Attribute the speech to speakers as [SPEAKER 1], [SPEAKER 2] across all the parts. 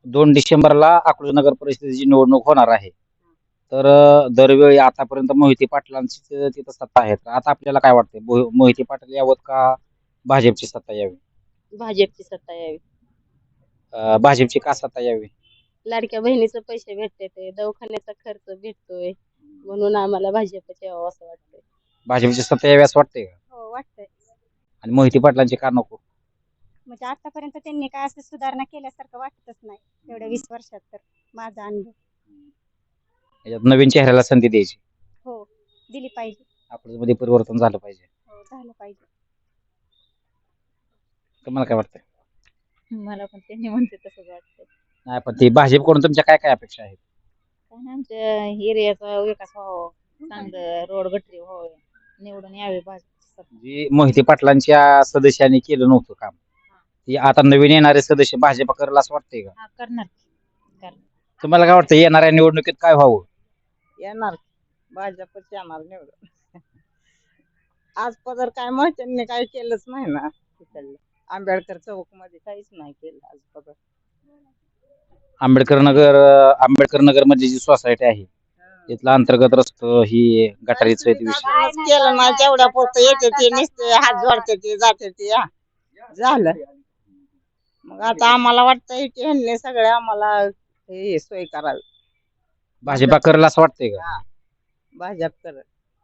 [SPEAKER 1] 2 डिसेंबरला अकलूज नगर परिषदेची निवडणूक होणार आहे. तर दरवेळी आतापर्यंत मोहिते पाटलांची तिथं सत्ता आहे. तर आता आपल्याला काय वाटतंय? मोहिते पाटील यावं का भाजपची सत्ता यावी?
[SPEAKER 2] भाजपची सत्ता यावी.
[SPEAKER 1] भाजपची का सत्ता यावी?
[SPEAKER 2] लाडक्या बहिणीचे पैसे भेटते ते, दवाखान्याचा खर्च भेटतोय, म्हणून आम्हाला भाजपच यावं असं वाटतंय.
[SPEAKER 1] भाजपची सत्ता यावी असं वाटतंय का?
[SPEAKER 2] हो वाटतंय.
[SPEAKER 1] आणि मोहिते पाटलांची का नको?
[SPEAKER 2] म्हणजे आतापर्यंत त्यांनी काय असं सुधारणा केल्यासारखं वाटतच नाही एवढ्या 20 वर्षात, तर माझा अनुभव.
[SPEAKER 1] याच्यात नवीन चेहऱ्याला संधी द्यायची.
[SPEAKER 2] हो दिली पाहिजे.
[SPEAKER 1] अकलूजमध्ये परिवर्तन झालं पाहिजे.
[SPEAKER 2] हो झालं पाहिजे.
[SPEAKER 1] तुम्हाला काय वाटतंय?
[SPEAKER 2] मला पण त्यांनी म्हणते तसंच वाटतंय.
[SPEAKER 1] नाही, पण ते भाजपकडून तुमच्या काय काय अपेक्षा आहेत?
[SPEAKER 2] काय नाही, आमच्या एरियाचा विकास व्हावा, चांगलं रोड गटरी व्हावे, निवडून यावे भाजपची सत्ता.
[SPEAKER 1] जी मोहिते पाटलांच्या सदस्यांनी केलं नव्हतं काम, ती आता नवीन येणारे सदस्य भाजप करेल असं वाटतंय का?
[SPEAKER 2] हा करणार.
[SPEAKER 1] तुम्हाला काय वाटतं येणाऱ्या निवडणुकीत काय व्हावं?
[SPEAKER 3] येणार भाजपच येणार निवडून. आज पदर काय मोहित्यांनी काही केलंच नाही ना तिकडलं. आंबेडकर चौक मध्ये काहीच नाही केलं आज पदर.
[SPEAKER 1] आंबेडकर नगर मध्ये जी सोसायटी आहे तिथला अंतर्गत रस्ता ही गटारीचं विषय
[SPEAKER 3] केलं नाही, तेवढ्या पुरतं येते ते, नुसते हात जोडते ते, जाते ते, झालं. मग आता आम्हाला वाटतंय की ह्यांनी सगळे आम्हाला हे सोय करावी.
[SPEAKER 1] भाजपा करेल असं वाटतंय का?
[SPEAKER 3] भाजप करत.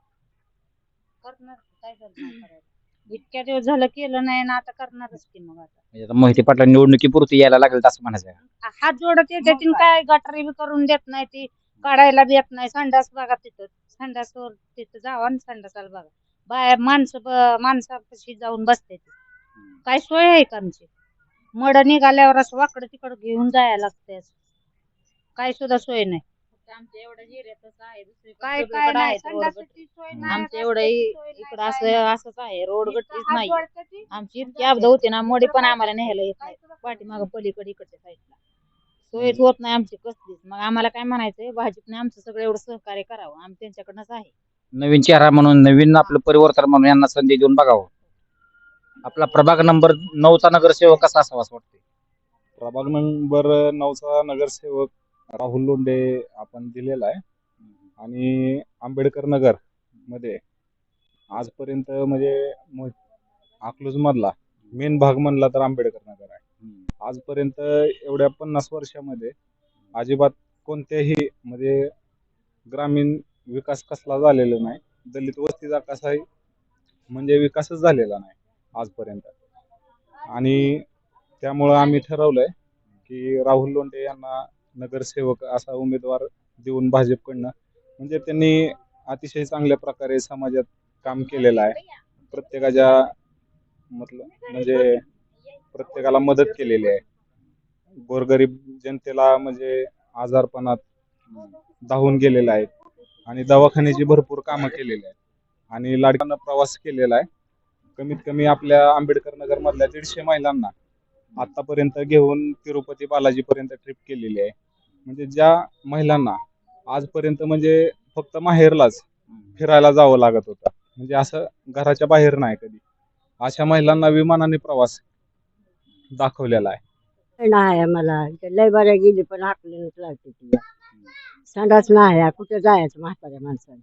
[SPEAKER 2] करणार काय करणार? इतक्या दिवस झालं केलं नाही ना, आता करणारच की. मग आता
[SPEAKER 1] म्हणजे आता मोहिते पाटला निवडणुकीपुरती यायला लागेल असं म्हणायचं का?
[SPEAKER 2] हात जोडत येते ती, काय गटारी बी करून देत नाही, ती काढायला बी येत नाही. संडास बघा तिथं, संडासवर तिथं जावा आणि संडासाला बघा, बाहेर माणसापाशी जाऊन बसते ती. काय सोय आहे का आमची? मड निघाल्यावर असं वाकडं तिकडं घेऊन जायला लागते, काय सुद्धा सोय नाही. आमच्या एवढ्या जिऱ्यातच आहे, काय काय नाही, संडासाची सोय नाही. आमच्या एवढं इकडं असंच आहे, रोड गटरीच नाही. आमची इतकी अपघात होते ना, मडी पण आम्हाला न्यायला येत नाही, पाठीमागं पलीकडे इकडच्या साईडला सोयच होत नाही आमची कसलीच. मग आम्हाला काय म्हणायचंय, भाजपने आमचं सगळं एवढं सहकार्य करावं, आम्ही त्यांच्याकडनंच आहे.
[SPEAKER 1] नवीन चेहरा म्हणून, नवीन आपलं परिवर्तन म्हणून यांना संधी देऊन बघावं. आपला प्रभाग नंबर 9चा नगरसेवक कसा असावा असं वाटतंय?
[SPEAKER 4] प्रभाग नंबर 9चा नगरसेवक राहुल लोंढे आपण दिलेला आहे. आणि आंबेडकर नगर मध्ये आजपर्यंत म्हणजे अकलूज मधला मेन भाग म्हणला तर आंबेडकर नगर आहे. आजपर्यंत एवढ्या 50 वर्षामध्ये अजिबात कोणत्याही म्हणजे ग्रामीण विकास कसला झालेला नाही. दलित वस्तीचा कसाही म्हणजे विकासच झालेला नाही आजपर्यंत. आणि त्यामुळं आम्ही ठरवलंय की राहुल लोंढे यांना नगरसेवक असा उमेदवार देऊन भाजपकडनं, म्हणजे त्यांनी अतिशय चांगल्या प्रकारे समाजात काम केलेलं आहे. प्रत्येकाच्या म्हणजे प्रत्येकाला मदत केलेली आहे. गोरगरीब जनतेला म्हणजे आजारपणात धावून गेलेला आहे आणि दवाखान्याची भरपूर कामं केलेली आहेत. आणि लाडक्यांना प्रवास केलेला आहे. कमीत कमी आपल्या आंबेडकर नगर मधल्या 150 महिलांना आतापर्यंत घेऊन तिरुपती बालाजी पर्यंत ट्रिप केलेली आहे. म्हणजे ज्या महिलांना आजपर्यंत म्हणजे फक्त माहेरलाच फिरायला जावं लागत होतं, म्हणजे असं घराच्या बाहेर नाही कधी, अशा महिलांना विमानाने प्रवास दाखवलेला आहे.
[SPEAKER 3] नाही मला लय बऱ्या गेली पण आपल्यालाच लागते ती. संडास नाही, कुठे जायचं म्हाताऱ्या माणसाने.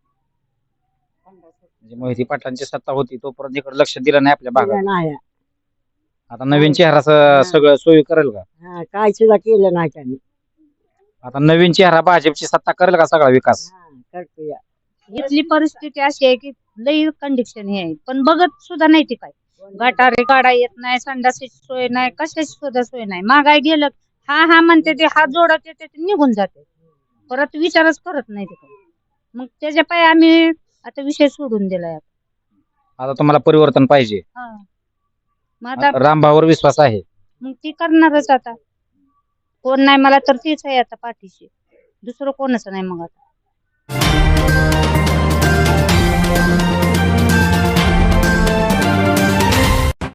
[SPEAKER 1] म्हणजे मोहिते पाटलांची सत्ता होती तोपर्यंत इकडे लक्ष दिलं नाही आपल्या भागात.
[SPEAKER 3] नाही
[SPEAKER 1] आता नवीन चेहरा सगळं सोयी करेल का?
[SPEAKER 3] काय सुद्धा केलं नाही त्यांनी.
[SPEAKER 1] आता नवीन चेहरा भाजपची सत्ता करेल का सगळा विकास?
[SPEAKER 3] करतो या.
[SPEAKER 2] इथली परिस्थिती अशी आहे की लई कंडिशन हे आहे, पण बघत सुद्धा नाही ती. काय गटारे काढा येत नाही, संडासाची सोय नाही, कशाची सुद्धा सोय नाही. महागाई गेलं हा म्हणते ते, हात जोडत येते ते निघून जाते, परत विचारच करत नाही ते. मग त्याच्या पाय आम्ही आता विषय सोडून दिलाय.
[SPEAKER 1] आता तुम्हाला परिवर्तन पाहिजे.
[SPEAKER 2] मग आता
[SPEAKER 1] रामभावर विश्वास आहे.
[SPEAKER 2] मग ती करणारच. आता कोण नाही मला तर तीच आहे आता पाठीशी, दुसरं कोणच नाही मग आता.